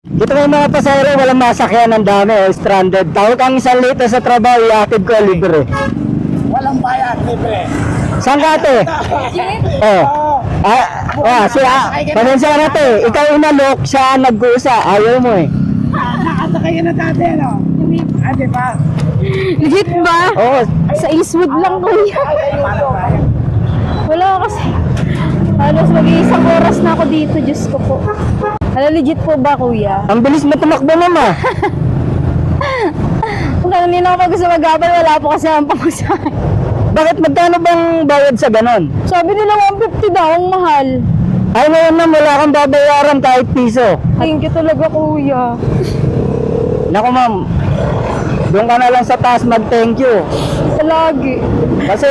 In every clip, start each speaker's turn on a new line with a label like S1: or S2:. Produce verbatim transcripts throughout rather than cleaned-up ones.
S1: Ito may mga pasahero, walang masakyan, ang dami, oh, stranded. Tawag ang isang lito sa trabaho, iatid ko libre.
S2: Walang bayad, libre.
S1: Saan ka ate? Oh. Ah, ah, si ah, pasensya na ate, ikaw inalok, siya nag-uusa, ayaw mo eh.
S2: Nakasakay na dati, ano? Ah, di ba?
S3: Legit ba?
S1: Oo,
S3: Sa Eastwood lang kuya. Wala kasi. Halos mag-iisang oras na ako dito, Diyos ko po. Ano, legit po ba kuya?
S1: ang bilis mo tumakbo mama.
S3: Kung kanina ako gusto mag-abal, wala po kasi ang pamasahe.
S1: Bakit magkano bang bayad sa ganon?
S3: Sabi nila one fifty daw, ang mahal.
S1: Ay ngayon na wala kang babayaran kahit piso.
S3: Thank you talaga kuya.
S1: Naku ma'am, doon ka na lang sa taas mag-thank you.
S3: Lagi.
S1: Kasi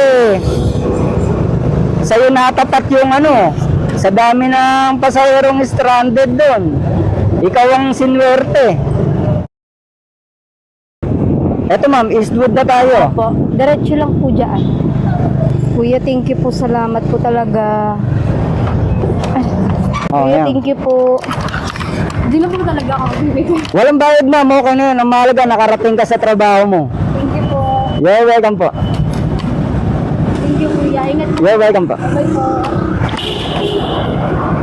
S1: sa'yo natapat yung ano, sa dami ng pasaherong stranded doon. Ikaw ang sinwerte. Eto ma'am, Eastwood na tayo.
S3: Po, diretso lang po dyan. Kuya, thank you po. Salamat po talaga. Ay,
S1: Oh,
S3: kuya,
S1: yan.
S3: thank you po. Hindi na po talaga ako bibigay.
S1: Walang bayad ma'am, okay na yun. Ang mahalaga, nakarating ka sa trabaho mo.
S3: Thank you po.
S1: You're welcome po.
S3: Thank you kuya. Ingat po.
S1: You're welcome po.
S3: Bye po.